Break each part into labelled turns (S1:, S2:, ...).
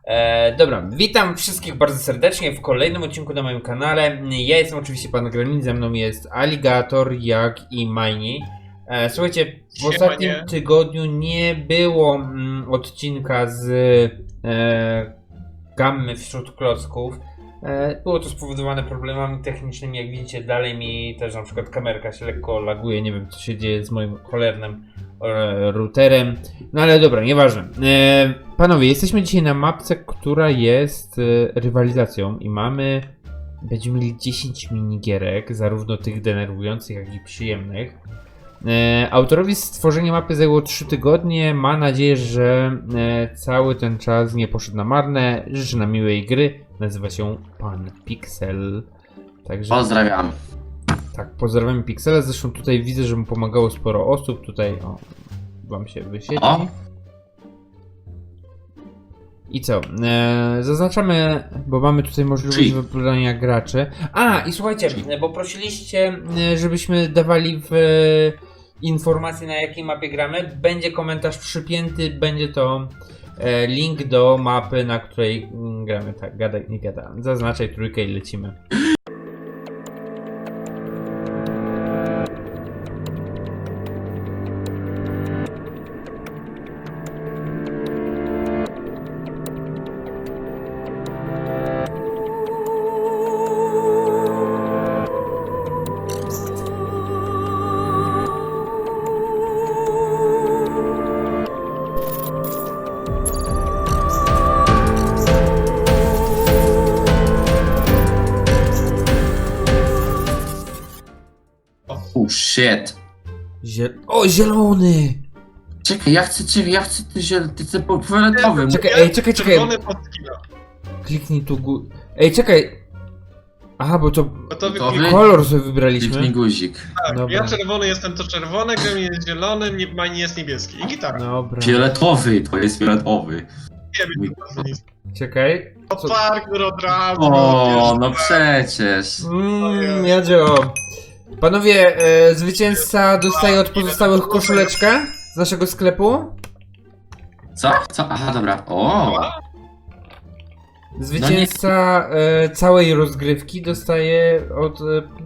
S1: Dobra, witam wszystkich bardzo serdecznie w kolejnym odcinku na moim kanale. Ja jestem oczywiście pan Gremlin, ze mną jest Alligator, jak i Majni. Słuchajcie, w ostatnim tygodniu nie było odcinka z Gammy wśród klocków. Było to spowodowane problemami technicznymi, jak widzicie dalej mi też na przykład kamerka się lekko laguje, nie wiem co się dzieje z moim cholernym routerem, no ale dobra, nieważne. Panowie, jesteśmy dzisiaj na mapce, która jest rywalizacją i będziemy mieli 10 minigierek, zarówno tych denerwujących, jak i przyjemnych. Autorowi stworzenie mapy zajęło 3 tygodnie, ma nadzieję, że cały ten czas nie poszedł na marne, życzę nam miłej gry, nazywa się Pan Pixel. Także...
S2: Pozdrawiam.
S1: Tak, pozdrawiam Pixela, zresztą tutaj widzę, że mu pomagało sporo osób, tutaj wam się wyświetli.
S2: O.
S1: I co? Zaznaczamy, bo mamy tutaj możliwość wybrania graczy. I słuchajcie, bo prosiliście, żebyśmy dawali informacje, na jakiej mapie gramy. Będzie komentarz przypięty, będzie to link do mapy, na której gramy. Tak, gadaj, nie gada. Zaznaczaj trójkę i lecimy.
S2: Oh shit.
S1: Zielony!
S2: Czekaj, ja chcę ty fioletowy.
S1: Czekaj. Kliknij tu czekaj. Aha, bo to
S2: Gotowy?
S1: kolor sobie wybraliśmy.
S2: Kliknij guzik.
S3: Tak,
S1: Dobra.
S3: ja czerwony jestem to czerwone, Gremlin jest zielony, Majni jest niebieski. I gitara.
S1: Dobra.
S2: Fioletowy, to jest fioletowy.
S3: Nie wiem, co to jest.
S1: Czekaj.
S3: To parkour od razu.
S2: O,
S3: wiesz,
S2: no przecież.
S1: Jadzio. Panowie, zwycięzca dostaje od pozostałych koszuleczkę z naszego sklepu.
S2: Co? Aha, dobra. O.
S1: Zwycięzca całej rozgrywki dostaje od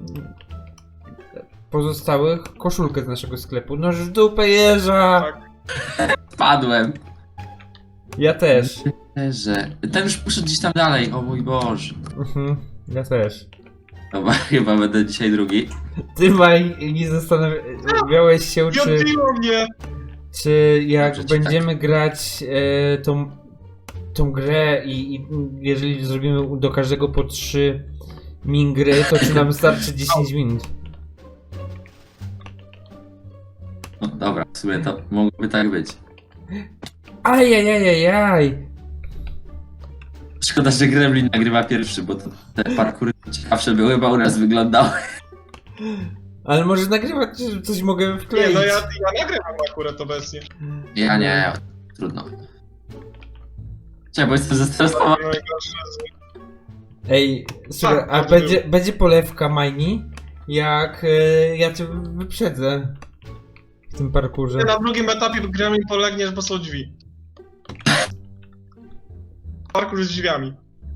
S1: pozostałych koszulkę z naszego sklepu. Noż w dupę jeża!
S2: Padłem.
S1: Ja też.
S2: Że. Ten już poszedł gdzieś tam dalej, o mój Boże.
S1: Ja też.
S2: Dobra, chyba będę dzisiaj drugi.
S1: Ty, Maj, nie zastanawiałeś się,
S3: Jądziło mnie!
S1: czy jak
S2: Dobrze ci
S1: będziemy grać tą grę i jeżeli zrobimy do każdego po 3 mingry, to czy nam starczy 10 minut?
S2: No dobra, w sumie to mogłoby tak być.
S1: Ajajajajaj!
S2: Szkoda, że Gremlin nagrywa pierwszy, bo te parkury ciekawsze były, bo u nas wyglądały.
S1: Ale może nagrywać, coś mogę
S3: Nie,
S1: wkleić.
S3: no ja nagrywam akurat obecnie.
S2: Ja nie, trudno. Cześć, bo jestem zestresowany.
S3: Najgorsze.
S1: Ej, słuchaj,
S3: Tak,
S1: a
S3: to
S1: będzie polewka, Majni, jak ja cię wyprzedzę w tym parkurze.
S3: Na drugim etapie Gremlin polegniesz, bo są drzwi. Parkour z drzwiami.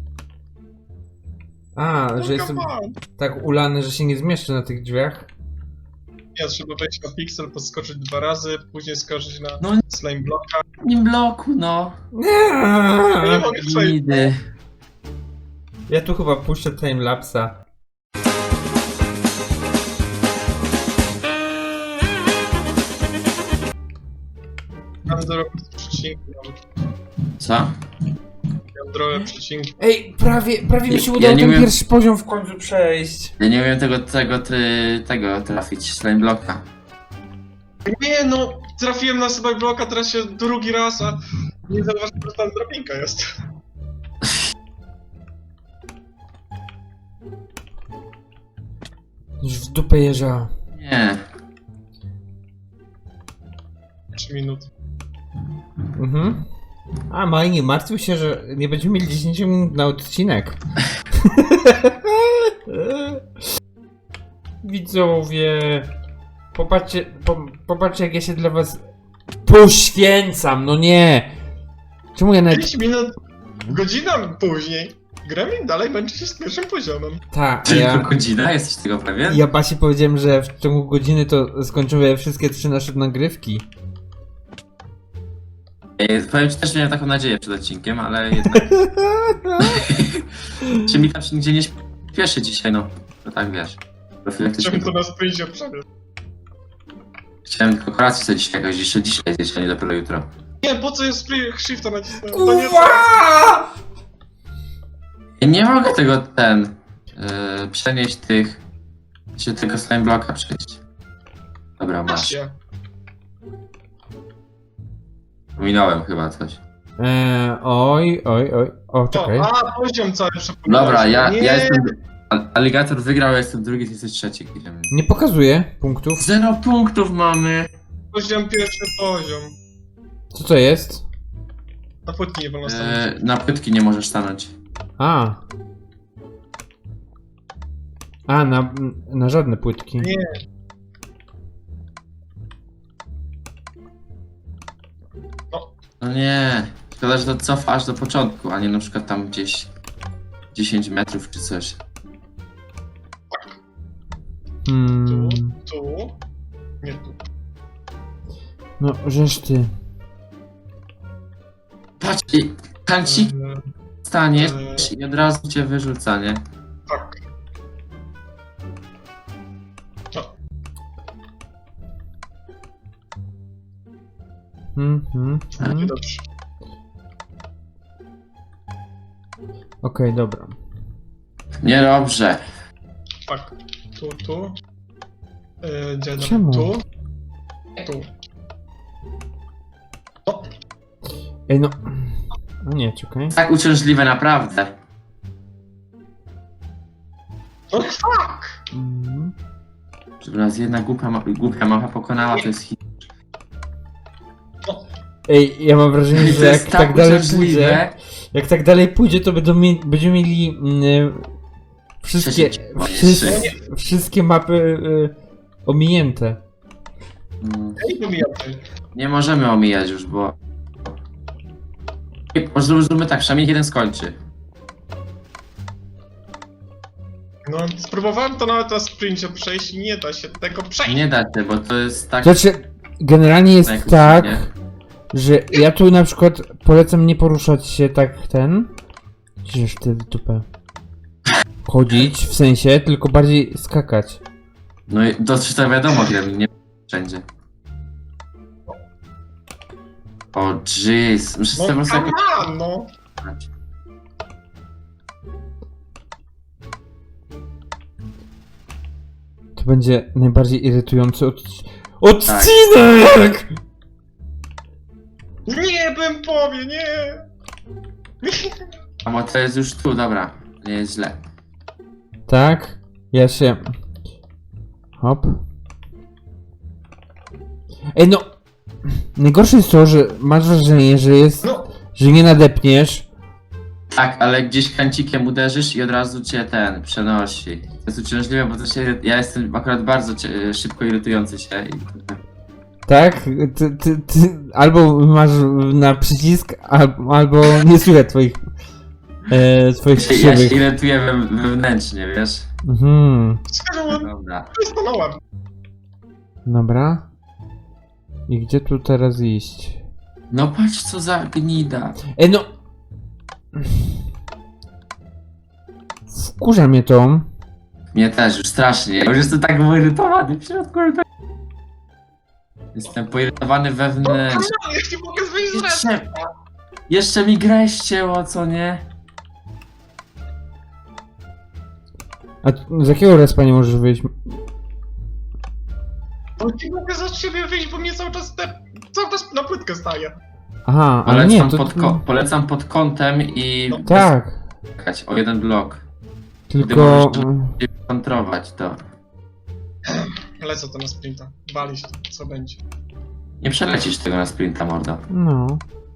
S1: Że jestem tak ulany, że się nie zmieszczę na tych drzwiach.
S3: Ja trzeba wejść na pixel, podskoczyć 2 razy, później skoczyć na
S2: No
S3: slime blocka.
S2: nie bloku, no.
S3: Ja nie mogę przejść.
S2: Idę.
S1: Ja tu chyba puszczę timelapsa.
S3: Mam drogę przecinki.
S2: Co?
S3: Mam drogę przecinki.
S1: Ej, prawie mi się
S2: Ja
S1: udało
S2: nie
S1: ten
S2: wiem-
S1: pierwszy poziom w końcu przejść.
S2: Ja nie umiem tego trafić, slime blocka.
S3: Nie no, trafiłem na slime blocka, teraz się drugi raz, a nie zauważyłem, że tam drabinka jest.
S1: Już w dupę jeża.
S2: Nie.
S3: 3 minuty.
S1: Maj, nie martwił się, że nie będziemy mieli 10 minut na odcinek. Widzowie, popatrzcie jak ja się dla was poświęcam, no nie! Czemu ja nawet...
S3: 5 minut Godzina później Gremlin dalej męczy się z pierwszym poziomem.
S1: Tak,
S2: Tylko godzina? Jesteś tego pewien?
S1: ja Basi powiedziałem, że w ciągu godziny to skończymy wszystkie 3 nasze nagrywki.
S2: Powiem ci też, że miałem taką nadzieję przed odcinkiem, ale jednak... Czy mi tam się nigdzie nie śpieszy dzisiaj, no. No tak, wiesz. Profilaktycznie.
S3: Czemu to na sprincie przebieg?
S2: Chciałem tylko kolację sobie dzisiaj jakoś jeszcze dzisiaj zjeść, a nie dopiero jutro.
S3: Nie, po co jest shifta nacisnąłem? To nie
S1: Kurwa!
S2: Ja nie mogę tego, przenieść tych... się tego slime bloka przejść. Dobra,
S3: da
S2: masz.
S3: się.
S2: Minąłem chyba coś.
S1: Oj. O, czekaj.
S3: Poziom cały przepomniałeś.
S2: Dobra, ja
S3: Nie,
S2: jestem... Aligator wygrał, ja jestem drugi, ty jesteś trzeci.
S1: Nie pokazuje punktów.
S2: 0 punktów mamy!
S3: Poziom pierwszy poziom.
S1: Co to jest?
S3: Na płytki nie wolno stanąć.
S2: Na płytki nie możesz stanąć.
S1: A, na żadne płytki.
S3: Nie.
S2: No nie, szkoda, że to cofa aż do początku, a nie na przykład tam gdzieś 10 metrów czy coś.
S1: Hmm,
S3: Tu. Nie tu.
S1: no, żeż ty.
S2: Patrz, i kancik
S3: Eee,
S2: staniesz i od razu cię wyrzuca, nie?
S3: tak.
S1: Okej,
S3: Dobrze.
S1: dobra.
S2: Niedobrze.
S3: Tak. Tu. Gdzie?
S1: Czemu?
S3: Tu.
S1: Ej, no. No nie, czekaj.
S2: Tak uciążliwe naprawdę.
S3: No fuck!
S1: Mm.
S2: Żeby nas jedna głupia mapa pokonała, to jest hit.
S1: Ej, ja mam wrażenie, że
S2: To
S1: jak
S2: jest
S1: tak dalej pójdzie,
S2: uciążliwe.
S1: jak tak dalej pójdzie, to będziemy mieli wszystkie, wszystkie mapy ominięte.
S3: Ej, wymijamy.
S2: Nie możemy omijać już, bo... Może zróbmy tak, przynajmniej jeden skończy.
S3: No, spróbowałem to nawet na sprincie przejść i nie da się tego przejść.
S2: Nie da się, bo to jest tak...
S1: Znaczy, generalnie jest
S2: jak
S1: tak,
S2: nie?
S1: że ja tu na przykład polecam nie poruszać się tak Przecież ty w dupę. Chodzić, w sensie, tylko bardziej skakać.
S2: No i to wiadomo, Gremlin, nie wszędzie. O jeez, muszę sobie po
S3: No,
S2: prostu jakoś...
S3: come on, no.
S1: To będzie najbardziej irytujący odcinek!
S3: Nie, bym powie, nie.
S2: A bo to jest już tu, dobra. Nie jest źle.
S1: Tak, ja się... Hop. Ej, no... Najgorsze jest to, że masz wrażenie, że jest...
S3: No.
S1: Że nie nadepniesz.
S2: Tak, ale gdzieś kancikiem uderzysz i od razu cię przenosi. To jest uciążliwe, bo to się... Ja jestem akurat bardzo szybko irytujący się i...
S1: Tak? Ty albo masz na przycisk, albo nie słychać twoich
S2: Ja się
S1: krzywych.
S2: irytuję wewnętrznie, wiesz?
S1: Mhm.
S3: Skadłem,
S2: Dobra.
S3: stanąłem.
S1: Dobra. I gdzie tu teraz iść?
S2: No patrz co za gnida.
S1: Ej, no... Wkurza mnie to.
S2: Mnie też, już strasznie. Ja już jestem tak poirytowany w środku. Jestem poirytowany wewnętrznie.
S3: No, ja nie mogę wyjść z ręki.
S2: Jeszcze mi grę ścięło, co nie?
S1: A z jakiego respa nie możesz wyjść?
S3: No nie mogę za siebie wyjść, bo mnie cały czas na płytkę staje.
S1: Aha, ale nie,
S2: Polecam pod kątem i...
S3: No,
S1: tak.
S2: Czekać o jeden blok.
S1: Tylko...
S2: Kontrować to.
S3: Lecę to na sprinta. Walić to, co będzie.
S2: Nie przelecisz tego na sprinta, mordo.
S1: No.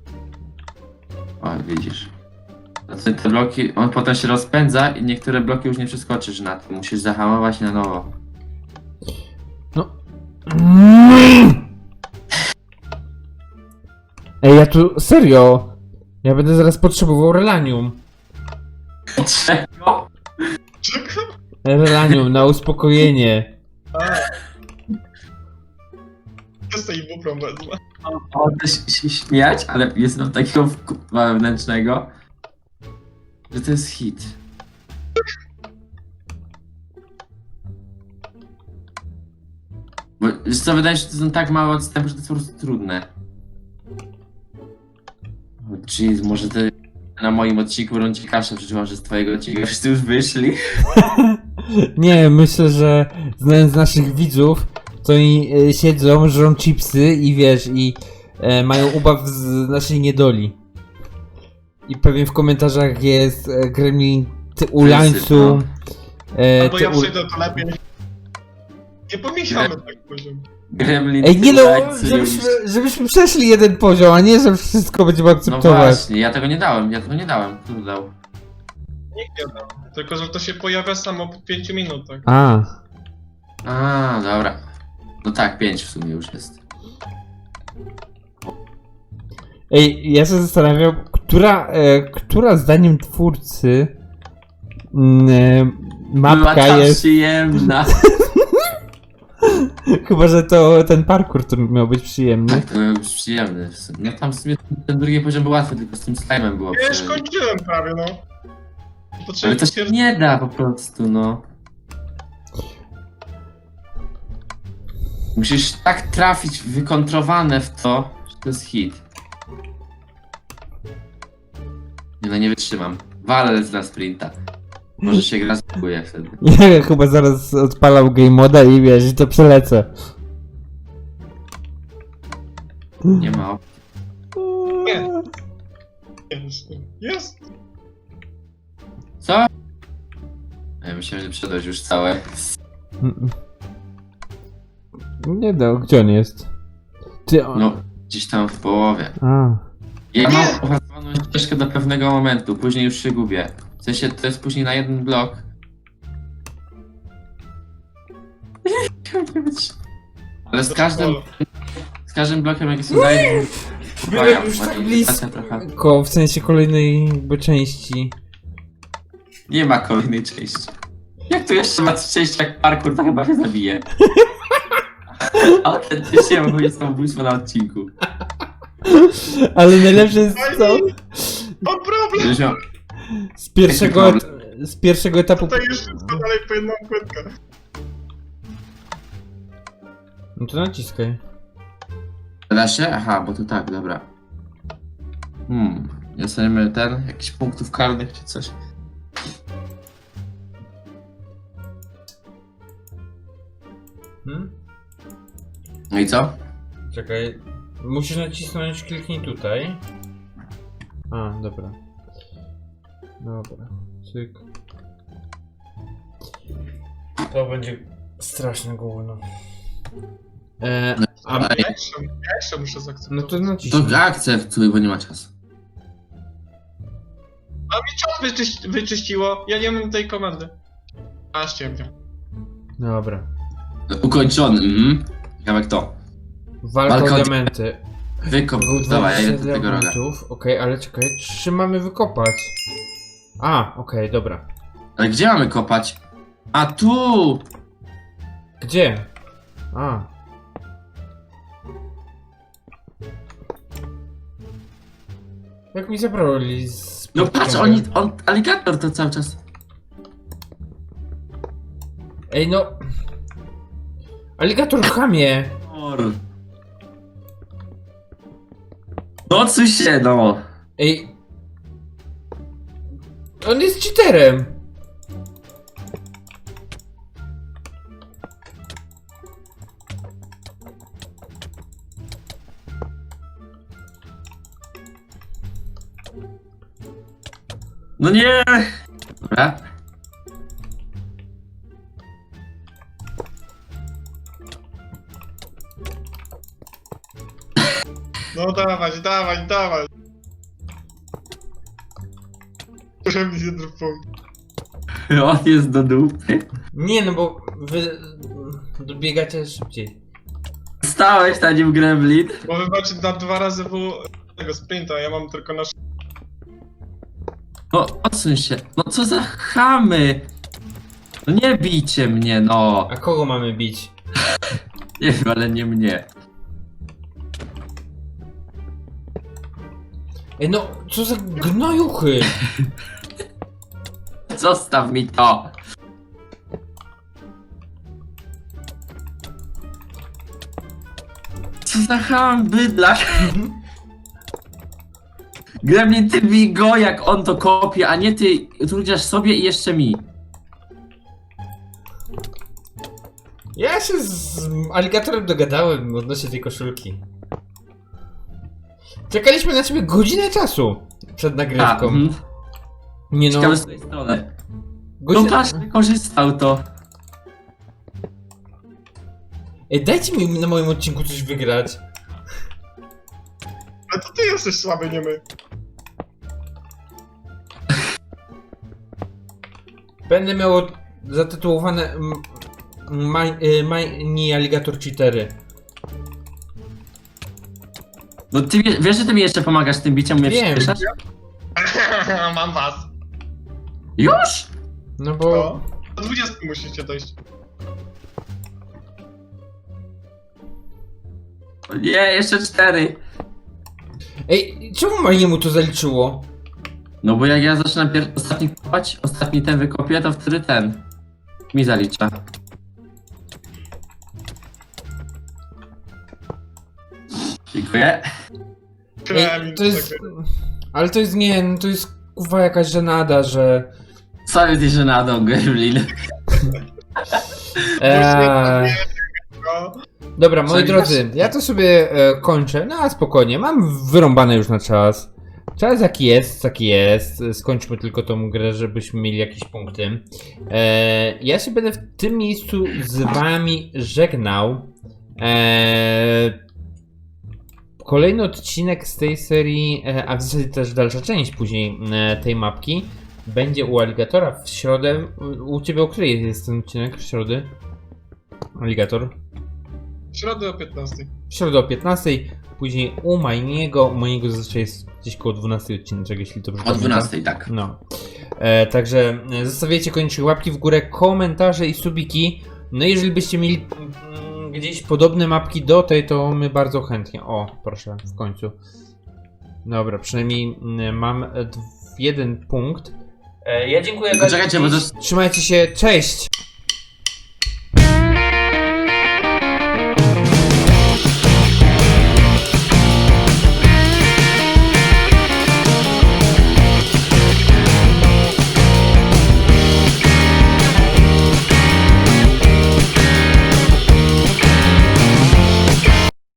S2: O, widzisz. Te bloki, on potem się rozpędza i niektóre bloki już nie przeskoczysz na to. Musisz zahamować na nowo.
S1: Ej, ja tu serio. Ja będę zaraz potrzebował relanium.
S2: Czego?
S3: Czego?
S1: Relanium na uspokojenie.
S3: Przestań buprą wezmę.
S2: Mogę się śmiać, ale jestem takiego wewnętrznego, że to jest hit. Bo wiesz co, wydaje się, że to są tak małe odstępy, że to jest po prostu trudne. O jeez, może ty na moim odcinku będą ciekawsze, przeczytałem, że z twojego odcinka wszyscy już wyszli.
S1: Nie, myślę, że znając naszych widzów, to oni siedzą, żrą chipsy i wiesz, i mają ubaw z naszej niedoli. I pewnie w komentarzach jest Gremlin, ty ulańcu.
S3: Albo ja przejdę, to lepiej. Nie pomyślamy tak poziom.
S2: Gremlin,
S1: Ej, nie no,
S2: Tulańcy,
S1: żebyśmy przeszli jeden poziom, a nie, że wszystko będziemy
S2: No
S1: akceptować.
S2: właśnie, ja tego nie dałem. Kto to dał?
S3: Nikt nie da. Tylko, że to się pojawia samo po 5 minutach.
S1: A,
S2: A, dobra. No tak, 5 w sumie już jest.
S1: ej, ja się zastanawiam, która zdaniem twórcy
S2: Była
S1: mapka
S2: ta
S1: jest...
S2: przyjemna.
S1: Chyba, że to ten parkour, który miał być przyjemny.
S2: Tak, to był już przyjemny w sumie. No tam w sumie ten drugi poziom był łatwy, tylko z tym slime'em było
S3: Ja już
S2: przyjemne.
S3: kończyłem prawie, no.
S2: Ale
S3: Potrzebny
S2: to się nie da po prostu, no. Musisz tak trafić wykontrowane w to, że to jest hit. Nie no, nie wytrzymam. Walę na sprinta. Może się gra zbuguje wtedy.
S1: Ja chyba zaraz odpalam game moda i wiesz, i to przelecę.
S2: Nie ma opcji.
S3: Nie. Jest.
S2: Co? Ja myślałem, że przedłeś już całe.
S1: Nie no, gdzie on jest? Ty on...
S2: No, gdzieś tam w połowie.
S1: A.
S2: Ja
S3: Nie!
S2: mam opracowaną ścieżkę do pewnego momentu, później już się gubię. W sensie to jest później na jeden blok. Ale z każdym blokiem jak się daje...
S1: Byłem już tak blisko, w sensie kolejnej jakby części.
S2: Nie ma kolejnej części. Jak tu jeszcze ma część jak parkour, to chyba się zabije. Autentycznie bo jest samobójstwo na odcinku.
S1: Ale najlepsze jest co?
S3: Mam problem!
S2: Żebyś miał-
S1: Z pierwszego etapu...
S3: Tutaj już wszystko dalej po jedną płytkę.
S1: No to naciskaj.
S2: Da się? Aha, bo to tak, dobra. Ja sobie ten, jakiś punktów karnych czy coś. No i co?
S1: Czekaj. Musisz nacisnąć, kliknij tutaj. A, dobra. Dobra. Cyk. To będzie straszne gówno. A
S2: Ej,
S3: Ja jeszcze muszę zaakceptować.
S1: no to naciśnij.
S2: to akceptuj, bo nie ma czasu.
S3: A mi czas wyczyściło. Ja nie mam tej komendy. A, ściemnia.
S1: Dobra.
S2: Ukończony, Ciekawe kto.
S1: Walka
S2: Walka
S1: o
S2: o
S1: diamenty.
S2: Wykop, dawaj, ja idę do tego roga.
S1: Okej, ale czekaj, czy mamy wykopać? A, okej, dobra.
S2: Ale gdzie mamy kopać? A tu!
S1: Gdzie? A. Jak mi zabrali z...
S2: No patrz, on aligator to cały czas.
S1: Ej no... Aligator chamie!
S2: No co się, no.
S1: Ej... On jest cheaterem!
S2: No nie! Dobra.
S3: No dawać, dawać, dawać. Muszę mieć jeden punkt.
S2: On jest do dupy.
S1: Nie no bo wy... Dobiegacie szybciej.
S2: Stałeś na nim Gremlin.
S3: Bo wybaczyć na 2 razy było tego sprinta, ja mam tylko na
S2: No, odsuń się. No co za chamy! No nie bijcie mnie, no.
S1: A kogo mamy bić?
S2: Nie wiem, ale nie mnie.
S1: Ej no, co za gnojuchy!
S2: Zostaw mi to. Co za cham, bydlak. Gremlin, ty bij go, jak on to kopie, a nie ty trudziasz sobie i jeszcze mi.
S1: Ja się z aligatorem dogadałem odnośnie tej koszulki. Czekaliśmy na ciebie godzinę czasu przed nagrywką. Nie no,
S2: Ciekawe z tej strony. No
S1: godzinę...
S2: patrz, wykorzystał to.
S1: Ej, dajcie mi na moim odcinku coś wygrać.
S3: Ale to ty jesteś słaby, nie my.
S1: Będę miał zatytułowane Mini Alligator Cheatery.
S2: No ty wiesz, że ty mi jeszcze pomagasz tym biciem, mnie
S1: Wiem.
S2: przyspieszasz?
S3: Mam was.
S2: Już?
S1: No bo...
S3: No. Do 20 musicie dojść.
S2: O nie, jeszcze 4.
S1: Ej, czemu Mariemu to zaliczyło?
S2: No bo jak ja zaczynam ostatni kopać, ostatni ten wykopię, to wtedy ten mi zalicza. Dziękuję.
S1: Ej, to jest... Ale to jest nie, no to jest kurwa jakaś żenada, że...
S2: Sorry, ty żenadą, Gremlin.
S3: No.
S1: Dobra, moi
S2: Sorry,
S1: drodzy, ja to sobie kończę, no a spokojnie, mam wyrąbane już na czas. Czas jaki jest, taki jest. Skończmy tylko tą grę, żebyśmy mieli jakieś punkty. Ja się będę w tym miejscu z wami żegnał. Kolejny odcinek z tej serii, a w zasadzie też dalsza część później tej mapki, będzie u Aligatora w środę. U ciebie o której jest ten odcinek w środę? Aligator?
S3: W środę o 15.
S1: W środę o 15, później u Majniego. Majniego zazwyczaj jest gdzieś koło 12 odcinek, jeśli dobrze
S2: O
S1: pamiętam.
S2: 12, tak.
S1: No. Także zostawiajcie koniecznie łapki w górę, komentarze i subiki. No i jeżeli byście mieli gdzieś podobne mapki do tej, to my bardzo chętnie. O, proszę, w końcu. Dobra, przynajmniej mam jeden punkt. Ja dziękuję
S2: Tylko czekajcie, bo to jest...
S1: Trzymajcie się, cześć!